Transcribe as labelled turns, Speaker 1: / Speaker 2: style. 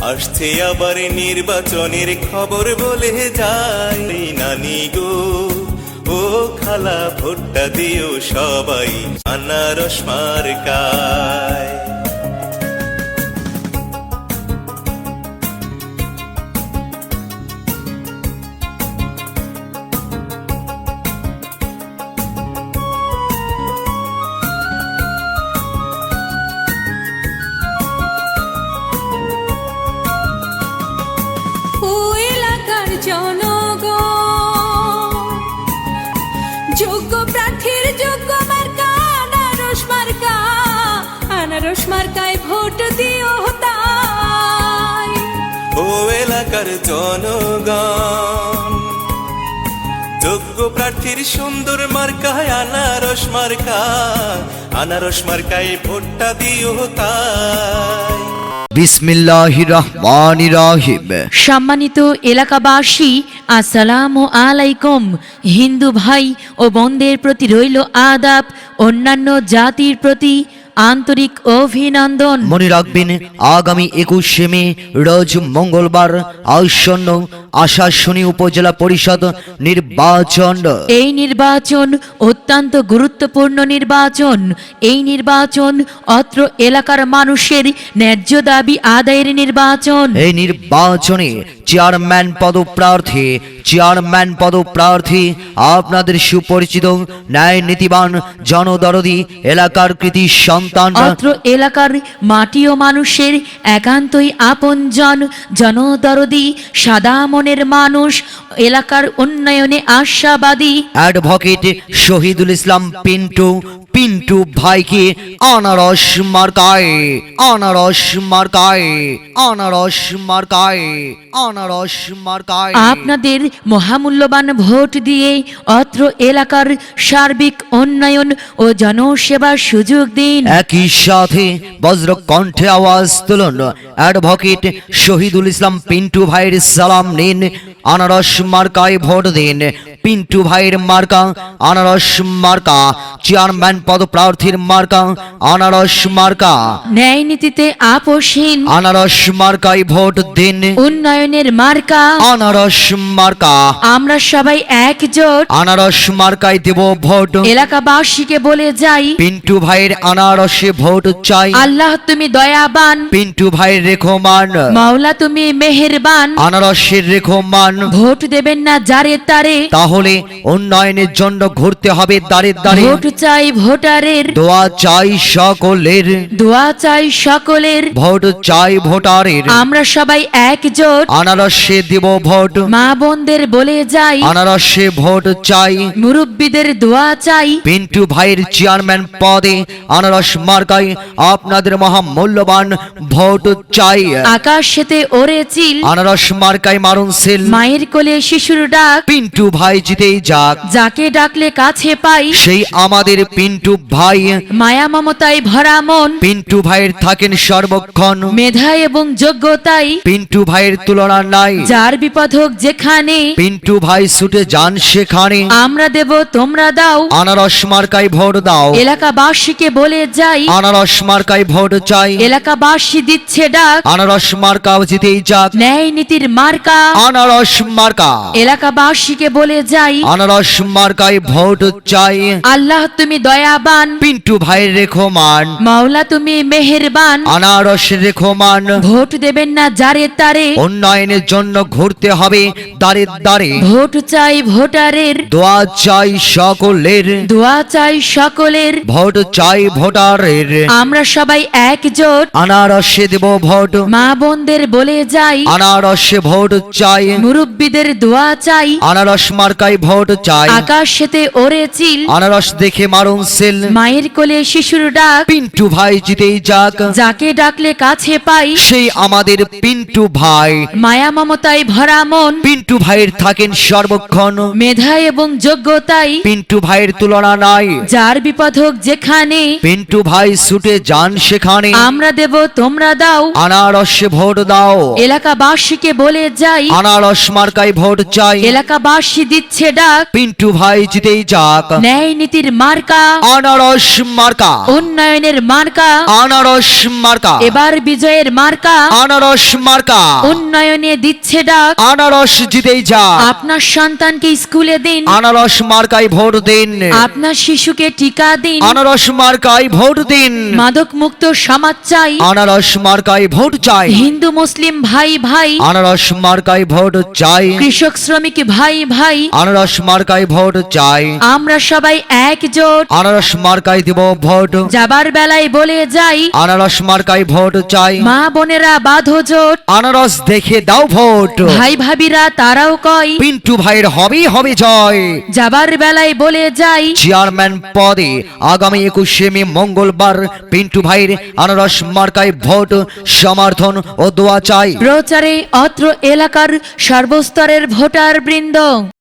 Speaker 1: আসছে আবার নির্বাচনের খবর বলে যায় নানি গো ও খালা ভোটটা দিও সবাই আনারস মার্কায়।
Speaker 2: যোগ্য প্রার্থীর যোগ্য মার্কা আনারস মার্কা, আনারস মার্কায় ভোট দিও তাই।
Speaker 1: ও এলাকার জনগণ যোগ্য প্রার্থীর সুন্দর মার্কায় আনারস মার্কা, আনারস মার্কায় ভোটটা দিও তাই।
Speaker 3: বিসমিল্লাহির রহমানির রহিম।
Speaker 4: সম্মানিত এলাকাবাসী, আসসালামু আলাইকুম। হিন্দু ভাই ও বোনদের প্রতি রইল আদাব, অন্যান্য জাতির প্রতি আন্তরিক অভিনন্দন।
Speaker 3: মনে রাখবেন, আগামী 21শে মে রোজ মঙ্গলবার আসন্ন আশাশুনি উপজেলা পরিষদ নির্বাচন।
Speaker 4: এই নির্বাচন অত্যন্ত গুরুত্বপূর্ণ নির্বাচন। এই নির্বাচন অত্র এলাকার মানুষের ন্যায্য দাবি আদায়ের নির্বাচন।
Speaker 3: এই নির্বাচনে চেয়ারম্যান পদপ্রার্থী আপনাদের সুপরিচিত ন্যায় নীতিবান জনদরদি এলাকার কৃতি সন্তান,
Speaker 4: অত্র এলাকার মাটি ও মানুষের একান্তই আপনজন, জনদরদি সাদা মনের মানুষ, এলাকার উন্নয়নে আশাবাদী
Speaker 3: অ্যাডভোকেট শহীদুল ইসলাম পিন্টু ভাইকে আনারস মার্কায়
Speaker 4: আপনাদের মহামূল্যবান ভোট দিয়ে অত্র এলাকার সার্বিক উন্নয়ন ও জনসেবার সুযোগ দিন।
Speaker 3: একই সাথে বজ্র কণ্ঠে আওয়াজ তুলুন, অ্যাডভোকেট শহীদুল ইসলাম পিন্টু ভাইয়ের সালাম নিন, আনারস মার্কায় ভোট দিন। পিন্টু ভাইয়ের মার্কা আনারস মার্কা, চেয়ারম্যান পদপ্রার্থীর মার্কা আনারস মার্কা।
Speaker 4: ন্যায় নীতিতে আপোষহীন
Speaker 3: আনারস মার্কায় ভোট দিন,
Speaker 4: উন্নয়নের মার্কা
Speaker 3: আনারস মার্কা।
Speaker 4: আমরা সবাই একজোট
Speaker 3: আনারস মার্কায় দেব ভোট।
Speaker 4: এলাকাবাসীকে বলে যাই,
Speaker 3: পিন্টু ভাইয়ের আনারসে ভোট চাই।
Speaker 4: আল্লাহ তুমি দয়াবান,
Speaker 3: পিন্টু ভাইয়ের রেখমান,
Speaker 4: মাওলা তুমি মেহেরবান।
Speaker 3: আনারসের রেখমান।
Speaker 4: ভোট দেবেন না যারে তারে,
Speaker 3: তাহলে উন্নয়নের জন্য ঘুরতে হবে দাঁড়ে দাঁড়ে।
Speaker 4: ভোট চাই ভোটারের,
Speaker 3: দোয়া চাই সকলের,
Speaker 4: দোয়া চাই সকলের।
Speaker 3: ভোট চাই ভোটারের।
Speaker 4: আমরা সবাই একজোট
Speaker 3: আনারসে দেব ভোট।
Speaker 4: মা বোনদের বলে যাই,
Speaker 3: আনারসে ভোট চাই।
Speaker 4: মুরব্বীদের দোয়া চাই।
Speaker 3: পিন্টু ভাইয়ের চেয়ারম্যান পদে আনারস মার্কায় আপনাদের মহামূল্যবান ভোট চাই।
Speaker 4: আকাশেতে ওরে চিল,
Speaker 3: আনারস মার্কায় মারুন সেল।
Speaker 4: মায়ের কোলে শিশুর ডাক,
Speaker 3: পিন্টু ভাই জিতেই যাক,
Speaker 4: যাকে ডাকলে কাছে পাই।
Speaker 3: সেই আমাদের পিন্টু ভাই।
Speaker 4: মায়া মমতায় ভরা মন,
Speaker 3: পিন্টু ভাইয়ের থাকেন সর্বক্ষণ।
Speaker 4: মেধা এবং যোগ্যতাই
Speaker 3: পিন্টু ভাইয়ের তুলনা নাই।
Speaker 4: যার বিপদ হোক যেখানে,
Speaker 3: পিন্টু ভাই ছুটে যান সেখানে।
Speaker 4: আমরা দেব তোমরা দাও।
Speaker 3: আনারস মার্কায় ভোট দাও।
Speaker 4: এলাকাবাসীকে বলে যাই,
Speaker 3: আনারস মার্কায় ভোট চাই।
Speaker 4: এলাকাবাসী দিচ্ছে ডাক,
Speaker 3: আনারস মার্কাও জিতেই যাক,
Speaker 4: ন্যায় নীতির মার্কা।
Speaker 3: আনারস মার্কা।
Speaker 4: এলাকাবাসীকে বলে যাই,
Speaker 3: আনারস মার্কায় ভোট চাই।
Speaker 4: আল্লাহ তুমি দয়াবান,
Speaker 3: পিন্টু ভাইয়ের রেখমান,
Speaker 4: মাওলা তুমি মেহেরবান।
Speaker 3: আনারস রেখমান।
Speaker 4: ভোট দেবেন না যারে তারে,
Speaker 3: উন্নয়নের জন্য ঘুরতে হবে দাঁড়ে দাঁড়ে।
Speaker 4: ভোট চাই ভোটারের,
Speaker 3: দোয়া চাই সকলের,
Speaker 4: দোয়া চাই সকলের।
Speaker 3: ভোট চাই ভোটারের।
Speaker 4: আমরা সবাই একজোট
Speaker 3: আনারসে দেব ভোট।
Speaker 4: মা বোনদের বলে যাই,
Speaker 3: আনারসে ভোট চাই।
Speaker 4: মুরব্বীদের দোয়া চাই।
Speaker 3: আনারস মার্কায় ভোট চাই।
Speaker 4: আকাশেতে ওরে চিল,
Speaker 3: আনারস দেখে মারুন সেল।
Speaker 4: মায়ের কোলে শিশুর ডাক,
Speaker 3: পিন্টু ভাই জিতেই যাক,
Speaker 4: যাকে ডাকলে কাছে পাই।
Speaker 3: সেই আমাদের পিন্টু ভাই।
Speaker 4: মায়া মমতায় ভরা মন,
Speaker 3: পিন্টু ভাইয়ের থাকেন সর্বক্ষণ।
Speaker 4: মেধা এবং যোগ্যতাই
Speaker 3: পিন্টু ভাইয়ের তুলনা নাই।
Speaker 4: যার বিপদ হোক যেখানে,
Speaker 3: পিন্টু ভাই ছুটে যান সেখানে।
Speaker 4: আমরা দেব তোমরা দাও।
Speaker 3: আনারসে ভোট দাও।
Speaker 4: এলাকাবাসীকে বলে যাই,
Speaker 3: আনারস মার্কায় ভোট চাই।
Speaker 4: এলাকাবাসী দিচ্ছে ডাক,
Speaker 3: পিন্টু ভাই জিতেই যাক,
Speaker 4: ন্যায় নীতির মার্কা।
Speaker 3: আনারস মার্কা,
Speaker 4: উন্নয়নের মার্কা,
Speaker 3: আনারস মার্কা,
Speaker 4: এবার বিজয়ের মার্কা,
Speaker 3: আনারস মার্কা,
Speaker 4: উন্নয়নে দিচ্ছে ডাক।
Speaker 3: আনারস জিতেই যা,
Speaker 4: আপনার সন্তানকে স্কুলে দিন,
Speaker 3: আনারস মার্কায় ভোট দিন,
Speaker 4: আপনার শিশুকে টিকা দিন।
Speaker 3: আনারস মার্কায় ভোট দিন,
Speaker 4: মাদক মুক্ত সমাজ চাই,
Speaker 3: আনারস মার্কায় ভোট চাই,
Speaker 4: হিন্দু মুসলিম ভাই ভাই,
Speaker 3: আনারস মার্কায় ভোট চাই,
Speaker 4: কৃষক শ্রমিক ভাই ভাই,
Speaker 3: আনারস মার্কায় ভোট চাই,
Speaker 4: আমরা সবাই একজোট।
Speaker 3: আনারস মার্কায় দিব ভোট,
Speaker 4: যাবার বেলায় বলে যাই,
Speaker 3: আনারস মার্কায় ভোট চাই,
Speaker 4: মা বোনেরা বাঁধো জোট,
Speaker 3: আনারস দেখে দাও ভোট,
Speaker 4: ভাই ভাবিরা তারাও কয়,
Speaker 3: পিন্টু ভাইয়ের হবেই হবে জয়।
Speaker 4: যাবার বেলায় বলে যাই,
Speaker 3: চেয়ারম্যান পদে আগামী 21শে মে মঙ্গলবার পিন্টু ভাইয়ের আনারস মার্কায় ভোট, সমর্থন ও দোয়া চাই।
Speaker 4: প্রচারে অত্র এলাকার সর্বস্তরের ভোটার বৃন্দ।